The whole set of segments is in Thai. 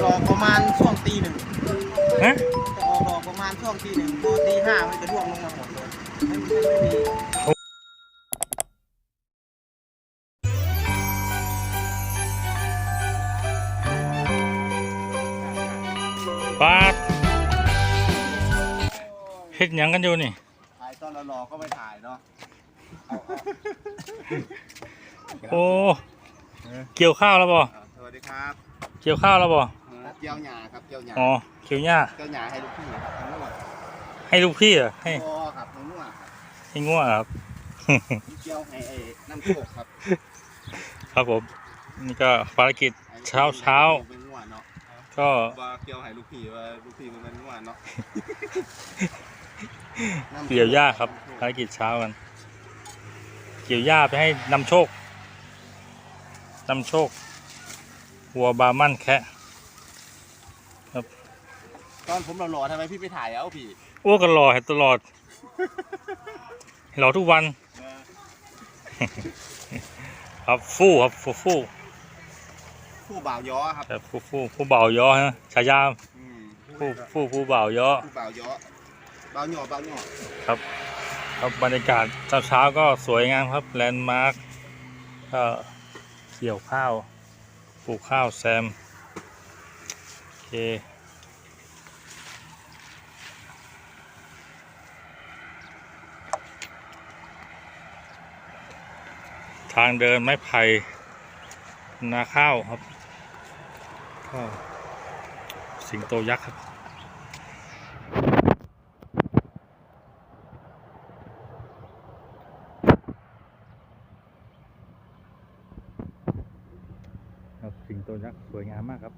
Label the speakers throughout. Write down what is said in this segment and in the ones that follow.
Speaker 1: อกประมาณช่วงตีหนึ่ง
Speaker 2: ฮะ
Speaker 1: จะออกดอกประมาณช่วงตีหนึ่งพอตีห้ามันจะร่วงลงมาหมดเลยไม่มี
Speaker 2: ปาดเฮ็ดหยังกันอยู่นี่
Speaker 1: ถ่ายตอนเรารอก็ไม่ถ่ายเนาะ
Speaker 2: โอ้เกี่ยวข้าวแล้วบ่
Speaker 1: สวัสดีครับ
Speaker 2: เกี่ยวข้าวแล้วบ่
Speaker 1: เกี่ยวหญ้าครับเกี่ยวหญ้า
Speaker 2: อ๋อเกี่ยวหญ้า
Speaker 1: เกี่ยวหญ้าให้ลูกพี่ครับทั้งหมด
Speaker 2: ให้ลูกพี่เหรอให้
Speaker 1: พอครับทั้งหมดครับ
Speaker 2: ให้ง่วงครับ
Speaker 1: เกี่ยวให้ไอ้น้ำโชคครับ
Speaker 2: ครับผมนี่ก็ภารกิจเช้า
Speaker 1: เป็นง่วงเนาะ
Speaker 2: ก็
Speaker 1: ว่าเกี่ยวให้ลูกพี่ว่าลูกพี่มันเป็นง่วงเนาะ
Speaker 2: เกี่ยวหญ้าครับภารกิจเช้ากันเกี่ยวหญ้าไปให้นำโชควัวบาร์มั่นแคะครับ
Speaker 1: ตอนผมรอทำไมพี่ไปถ่ายเอาพี่
Speaker 2: อ้วกกันรอให้ตลอดรอทุกวันครับฟู่ครับฟู่
Speaker 1: ผู้บ่าวย้อครับ
Speaker 2: แต่ผู้บ่าวย้อนะฉายาผู้บ่าวย้อ
Speaker 1: ผู้บ่าวย้อบ่าวหย่อบ่าวหย่อ
Speaker 2: ครับครับบรรยากาศเช้าก็สวยงามครับแลนด์มาร์คก็เกี่ยวข้าวปลูกข้าวแซมโอเคทางเดินไม้ไผ่นาข้าวครับก็สิงโตยักษ์ครับสิงโตยักษ์สวยงามมากครับ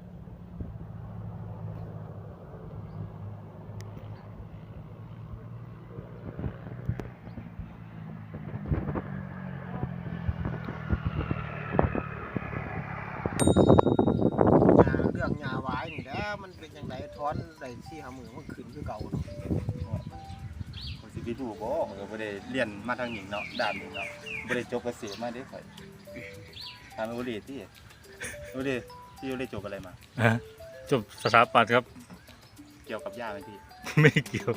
Speaker 1: เรื่องหญ้าไว้นี่แล้วมันเป็นยังไงท้อนใส่ที่หามือมันขึ้นคือเก่าเนาะ
Speaker 3: ผมสิไปดูบ่ก็บ่ได้เรียนมาทางนี้เนาะด้านนี้เนาะบ่ได้จบเกษตรมาเด้ข่อยถามโอเลที่โอเลที่โอเลจบอะไรมา
Speaker 2: จบสถาปัตย์ครับ
Speaker 3: เกี่ยวกับหญ้าไหมพี่
Speaker 2: ไม่เกี่ยว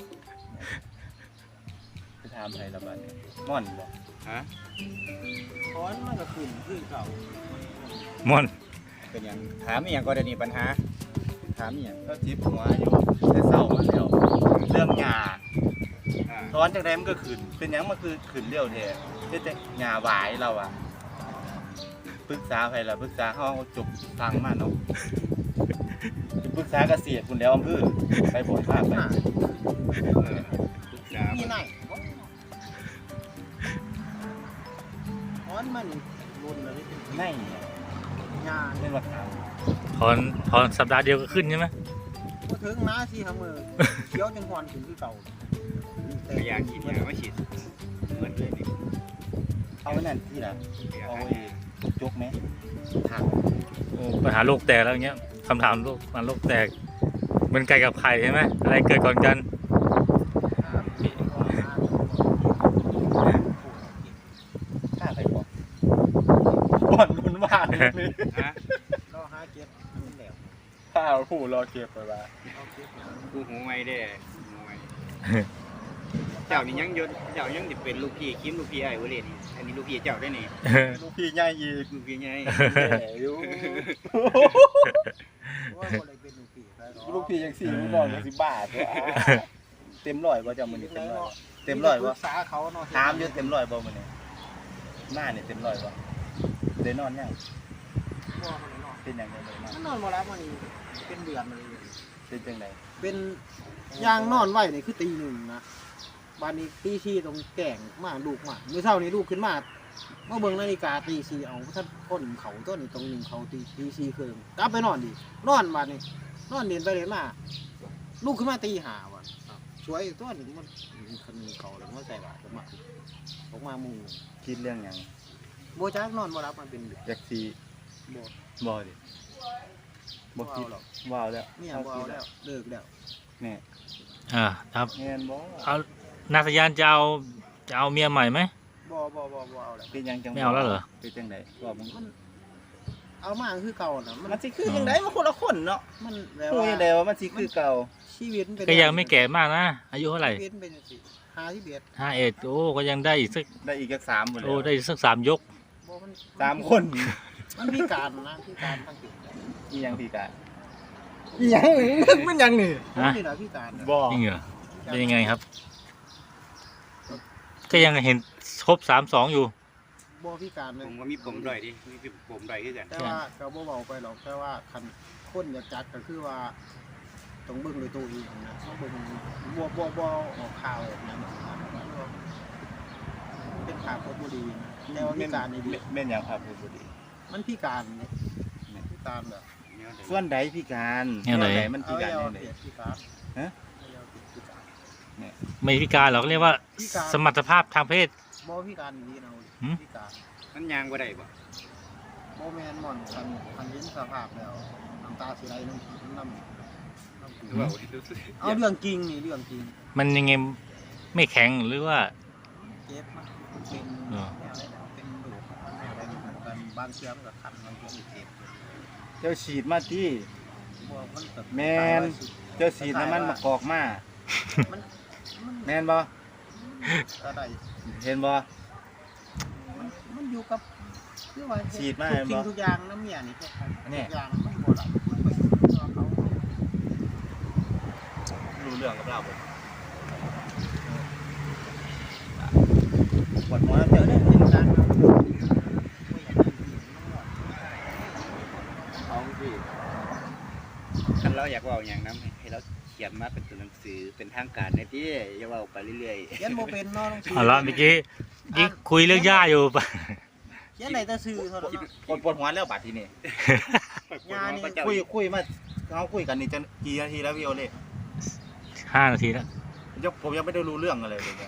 Speaker 3: ไปถามใครละบัดนี้ม่อนบ่
Speaker 1: ฮะท้อนมันก็ขึ้นคือเก่า
Speaker 2: ม่อน
Speaker 4: เป็นอย่างถามอหย่างก็ได้นี่ปัญหาถามอหย่าง
Speaker 3: ก็จิบหัวอยู่แต่เศร้ามาแล้วเรื่องหญ้าตอนจังได๋มันก็ขึ้นเป็นหยังมันคือขึ้นเร็วแท้เฮ็ดแต่หญ้าหวายเราอะปรึกษาไผล่ะปรึกษาเฮาจบฟังมาเนาะปรึกษาเกษตรพุ่นแล้วอำเภอไปบ่ภาคไปปรึกษา
Speaker 1: นี่ไหนท้อนมันรุนเลย
Speaker 3: ใน
Speaker 1: หญ้า
Speaker 3: เล่นว่าถาม
Speaker 2: ถอนสัปดาห์เดียวก็ขึ้นใช่ไหม
Speaker 1: บ่ถึงนะที่หามือเขียวจังหวนขึ้นคือเก่า
Speaker 4: พยาฉีดยาไม่ฉีดเหมือนเลยนี่
Speaker 3: เอาไว้นั่นที่ละเอาไว้จกไหมถาม
Speaker 2: โอ้ปัญหาโลกแตกแล้วอย่างเงี้ยคำถามโลกแตกเหมือนไก่กับไข่ใช่ไหมอะไรเกิดก่อนกัน
Speaker 3: ฆ่าใครบอกบ่อนรุนว่าเลยนี่
Speaker 4: ฮะ
Speaker 1: เราหาเก็บมันแล้ว
Speaker 3: ฆ่าผู้รอเก็บไปว่า
Speaker 1: เอาเก็บหา
Speaker 4: กูหูไม่ได้หูไม่เจ้านี่ยังยศเจ้ายังติเป็นลูกพี่คิมลูกพี่ไอ้เวเลนี่อันนี้ลูกพี่เจ้าได้นี่
Speaker 3: ลูกพี่ใหญ่ยีก
Speaker 4: ลูกพี่ไง
Speaker 3: แหมอยู่
Speaker 1: ว่าบ่ได้เป็นลูกพี่ใครหรอก
Speaker 3: ลูกพี่ยังสี่ลูกน้องยัง10 บาทวะเต็มร้อยบ่จำมื้อนี้เต็มร้อยเต็มร้อย
Speaker 1: ปรึ
Speaker 3: บ่
Speaker 1: กษาเขาเนาะ
Speaker 3: ถามอยู่เต็มร้อยบ่มื้อนี้หน้านี่เต็มร้อยบ่ได้นอนยัง
Speaker 1: บ่เขาเลยเนาะ
Speaker 3: เป็นหยังไงบ่ได้นอน
Speaker 1: มันนอนบ่รับมันนี่เป็นเดือนมาเลย
Speaker 3: เป็นจังได๋
Speaker 1: เป็นยางนอนไว้นี่คือตีหนึ่งนะบ้านนี้ตีชีตรงแก่งมาลูกมาเมื่อเช้านี้ลูกขึ้นมาเมื่อเบิ่งนาฬิกาตีชีเอาท่านพ่นเขาต้นตรงหนึ่งเขาตีชีเครื่องกลับไปนอนดินอนบ้านนี้นอนเดินไปเดินมาลูกขึ้นมาตีหาว่ะช่วยตัวหนึ่งมันคันเขาแล้วมันใส่บาตรออกมามุง
Speaker 3: คิดเรื่องหยัง
Speaker 1: โบจักนอนบ่รับมันเป็นเดือน
Speaker 3: อยากสิ
Speaker 1: บ่
Speaker 3: บ่ดิบ่คิด
Speaker 1: หรอก
Speaker 3: ว้าวแล้ว
Speaker 1: เนี่ยบ่เอาแล้วเลิกแล้ว
Speaker 3: แน่
Speaker 2: ครับ
Speaker 3: แม่นบ่
Speaker 2: เอานาสยานจะเอาเมียใหม่ไหม
Speaker 1: บ่เอาแล้ว
Speaker 3: เป็นหยังจัง
Speaker 2: ไม่เอาแล้วเหรอ
Speaker 3: เป็นจังได๋ว่ามึง
Speaker 1: มันเอามาคือเก่าน่ะ
Speaker 3: มันสิคือยังไงมันคนละคนเนาะ
Speaker 1: มันแบบ
Speaker 3: พูด
Speaker 1: ว่า
Speaker 3: ยังไงว่ามันสิคือเก่า
Speaker 1: ชีวิตมันเป็น
Speaker 2: ก็ยังไม่แก่มากนะอายุเท่าไหร่
Speaker 1: ชีวิตมันเป็นสิ51
Speaker 2: 51โอ้ก็ยังได้อีกสัก
Speaker 3: ได้อีกจัก3หมดเลย
Speaker 2: โอ้ได้อีกสัก3 ยก
Speaker 1: บ่มัน
Speaker 3: 3คน
Speaker 1: มันพิการนะพิการทางจิต
Speaker 3: อีหยังพี่กะ
Speaker 1: อีหยังมันยังนี่
Speaker 2: ฮะ
Speaker 1: นี่น่ะพิการน่ะ
Speaker 3: บ่
Speaker 2: จริงเหรอเป็นยังไงครับ ก็ยังเห็นครบ32อยู่
Speaker 1: บ่พิการเล
Speaker 4: ผ
Speaker 1: ย
Speaker 4: มก็มีผมด้อยดิมีผมด้อยคือกัน
Speaker 1: แต่ว่าก็บ่เว้าไปหรอกแต่ว่าคันคนอยากจัดก็คือว่าต้องเบิ่งด้วยตัวเองนะต้องเบิ่งบ่ออกข่าวแบบนั้นเป็นข่าวบ่ดีนะแต่ว่าพิการนี่ดี
Speaker 3: แม่นหยังครับผู้ดี
Speaker 1: มันพิการนี่พิการแบบ
Speaker 3: ส่วนใดพี่การ
Speaker 2: แนวไหน
Speaker 3: มันพี่การ
Speaker 1: เอา
Speaker 3: แนวไหน
Speaker 1: พิการ
Speaker 3: ฮะ
Speaker 1: เอาพิการ
Speaker 2: ไม่พิการหรอกเรียกว่า
Speaker 1: พิการ
Speaker 2: สมรรถภาพทางเพศ
Speaker 1: บ่พิการดีนะ
Speaker 2: หืม
Speaker 1: พิการ
Speaker 4: มันยางบ่ได้บ่
Speaker 1: บ่แม่นหม่อนคันเห็นสภาพแล้วน้ำตาสิไหลน้ำ
Speaker 4: หรือว่ารู้สึก
Speaker 1: เอาเรื่องจริงนี่เรื่องจริง
Speaker 2: มันยังไงไม่แข็งหรือว่า
Speaker 1: เจ็บมันเป็น
Speaker 2: เหรอ
Speaker 1: แนวอะไรนะเป็นโรคแนวอะไรเหมือนกันบางเชื้อมันก็คันบางเชื้อมันเจ็บ
Speaker 3: เจ้าฉีดมาที่
Speaker 1: บ่มันแบบ
Speaker 3: แม่น เจ้าฉีดน้ำมันมะกอกมา
Speaker 1: มัน
Speaker 3: แม่นบ่
Speaker 1: อะไร
Speaker 3: เห็นบ่
Speaker 1: มันอยู่กับคือว่า
Speaker 3: ฉีดมา
Speaker 1: ทุกสิ่ง
Speaker 3: บ่
Speaker 1: ทุกอย่างน้ำเมียนี่แค่
Speaker 3: อันนี้
Speaker 1: ทุกอย่างมันบ่หลับมันไปตัวเขา
Speaker 3: รู้เรื่องกับเราบ่ปวดหัวแล้ว
Speaker 1: เจ
Speaker 3: เจ้า
Speaker 1: อได้
Speaker 3: เนี่ย
Speaker 1: เป็นการครับ
Speaker 3: ท้องสิ
Speaker 4: คันเราอยากเว่าอย่างนั้นให้เราเขียนมาเป็นตัวหนังสือเป็นทางการในที่อย่าเว่าไปเรื่อย
Speaker 1: เขียนบ่เป็นเนาะต้อง
Speaker 2: เอาละเมื่อกี้คุยเรื่องย่าอยู่ปะ
Speaker 1: เขียนไหนแต่ซื้อเท่านั้นเนาะ
Speaker 3: ปวดหัวแล้วบัดทีนี้
Speaker 4: ๆ
Speaker 1: ยานี่
Speaker 3: คุยมาเขาคุยกันนี่จะกี่นาทีแล้วพี่โอเล่
Speaker 2: 5 นาทีแล้ว
Speaker 3: ผมยังไม่ได้รู้เรื่องอะไรเลยเนี่ย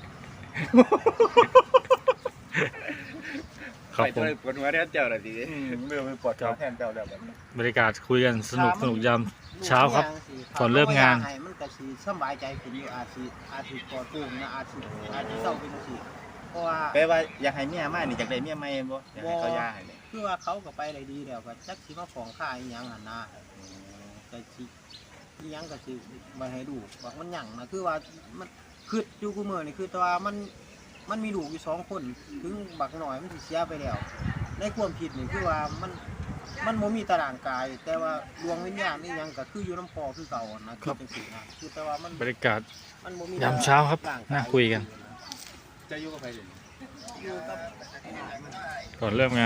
Speaker 2: ครับ
Speaker 4: ไป
Speaker 2: ผม
Speaker 4: ปวดหัวแทนเจ้าละสิ
Speaker 3: เมื่อไปปวดขาแทนเจ้าแล้วแบบนี้
Speaker 2: บรรยากาศคุยกันสนุกยามเช้าครับ ก่อนเริ่มงาน
Speaker 1: ให้มันก็สิสบายใจขึ้นอยู่อาจสิปลอดโปร่งนะอาจสิเศร้าเป็นจังซี่เพราะว่า
Speaker 3: แปลว่าอยากให้เมียมานี่อยากได้เมียใหม่บ่อยากให้เขาย่าให้เลย
Speaker 1: คือว่าเขาก็ไปได้ดีแล้วก็จักสิมาของค่าอีหยังหั่นนะก็สิอีหยังก็สิบ่ให้ดูว่ามันหยังนะคือว่ามันคืออยู่กูมื้อนี่คือแต่ว่ามันมีลูกอยู่2คนถึงบักน้อยมันสิเสียไปแล้วในความคิดนี่คือว่ามันบ่มีตารางกาย แต่ว่าดวงวิญญาณนี่ยังก็คืออยู่น้ำพอคือเก่านะคือจังซี่นะคือแต่ว่ามัน
Speaker 2: บรรยากาศ
Speaker 1: มันบ่มี
Speaker 2: ยามเช้าครับ
Speaker 1: ร่งก
Speaker 2: น่าคุยกัน
Speaker 3: จะอยู่กับใครเลย
Speaker 1: อยู่กับ
Speaker 2: ก่อนเริ่มงาน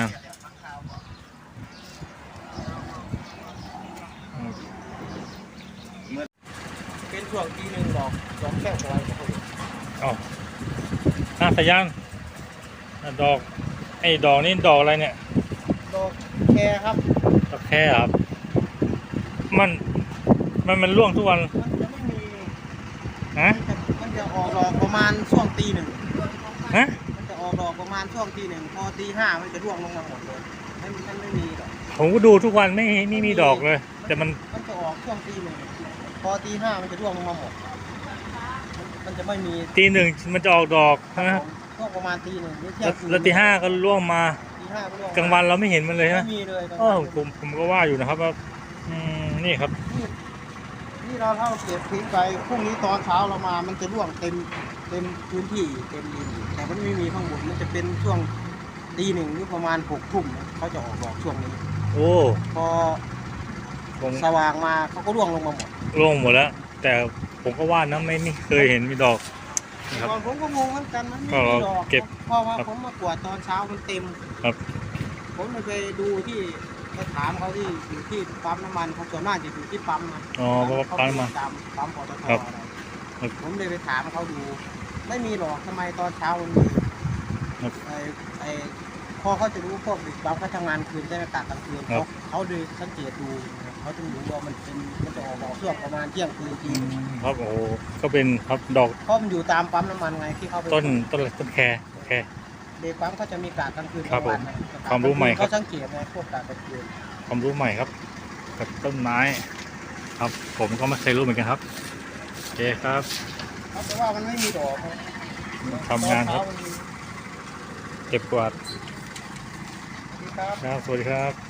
Speaker 1: เป็นช่วงทีหนึงดอกแก้วไว้ครับผม
Speaker 2: อ๋อหน้าพยานดอกไอ้ดอกนี่ดอกอะไรเนี่ย
Speaker 1: ดอกแคครับ
Speaker 2: ดอกแค่ครับ มันร่วงทุกวัน
Speaker 1: มันจะไม่มี
Speaker 2: ฮะ
Speaker 1: มันจะออกดอกประมาณช่วงตีหนึ่ง
Speaker 2: ฮะ
Speaker 1: มันจะออกดอกประมาณช่วงตีหนึ่งพอตีห้ามันจะร่วงลงมาหมดเลยมันไม่มีดอก
Speaker 2: ผมก็ดูทุกวันไม่มีดอกเลย แต่มัน
Speaker 1: มันจะออกช่วงตีหนึ่งพอตีห้ามันจะร่วงลงมาหมดมันจะไม่มี
Speaker 2: ตี 1มันจะออกดอก
Speaker 1: ครับ
Speaker 2: นะ
Speaker 1: ผมช่วงประมาณตีหนึ่งหรือเที่ย
Speaker 2: แล้ว
Speaker 1: งคืน
Speaker 2: แล้วตี 5ก็ร่วงมา
Speaker 1: ตีห้าก็ร่วง
Speaker 2: กลางวันเราไม่เห็นมันเลยใช่ไหม
Speaker 1: ไม่มีเลยกลาง
Speaker 2: อ๋อ
Speaker 1: วัน
Speaker 2: ผมก็ว่าอยู่นะครับว่านี่ครับ
Speaker 1: นี่เราเท่าเก็บทิ้งไปพรุ่งนี้ตอนเช้าเรามามันจะร่วงเต็มพื้นที่เต็มดินอยู่แต่มันไม่มีข้างบนมันจะเป็นช่วงตีหนึ่งหรือประมาณ6 ทุ่มเขาจะออกดอกช่วงนี้
Speaker 2: โอ้
Speaker 1: พอ
Speaker 2: ผม
Speaker 1: สว่างมาเขาก็ร่วงลงมาหมด
Speaker 2: ร่วงหมดแล้ว แต่ผมก็ว่านะไม่เคยเห็นมีดอกนะครับ
Speaker 1: ก่อนผมก็งงเหมือนกันมันไม่
Speaker 2: ก็
Speaker 1: มีดอก
Speaker 2: เก็บ
Speaker 1: เพราะว่า
Speaker 2: ครับ
Speaker 1: ผมมากวาดตอนเช้ามันเต็ม
Speaker 2: ครับ
Speaker 1: ผมเลยไปดูที่ไปถามเขาที่อยู่ที่ปั๊มน้ำมันเขาส่วนมากจะอยู่ที่ปั๊มนะ
Speaker 2: อ๋อเพราะว่าปั๊มมา
Speaker 1: ตามปั๊มปตท
Speaker 2: ครับ
Speaker 1: อะไร
Speaker 2: ครับ
Speaker 1: ผมเลยไปถามเขาดู ไม่มีหรอกทำไมตอนเช้ามันมี
Speaker 2: ครับ
Speaker 1: ไอ้พอเขาจะรู้พวกเด็กปั๊มเขาทำงานคืนได้กะกลางคืน
Speaker 2: ครับ
Speaker 1: เขาเลยสังเกตดูเขาจึงรู้ว่ามันจะออกดอกช่วงประมาณเที่ยงคืนที
Speaker 2: ครับโอ้โหก็เป็นครับดอก
Speaker 1: เพราะมันอยู่ตามปั๊มน้ำมันไงที่เขาไป
Speaker 2: ต้นแคร์
Speaker 1: เด็กปั๊มเขาจะมีกะกลางคืน
Speaker 2: ครับ
Speaker 1: กลางวัน
Speaker 2: ผม
Speaker 1: นะ
Speaker 2: ความรู้ใหม่ครับ
Speaker 1: เขาสังเกตไงพวกกะกลางคืน
Speaker 2: ความรู้ใหม่ครับ กับต้นไม้ ครับ ผมก็ไม่เคยรู้เหมือนกันครับโอเคครับ
Speaker 1: เขาจะว่ามันไม่มีดอกนะ
Speaker 2: ทำงานครับ
Speaker 1: ตอเช้มัมี
Speaker 2: เก็บกวาด
Speaker 1: ครับ
Speaker 2: ครับสวัสดีครับ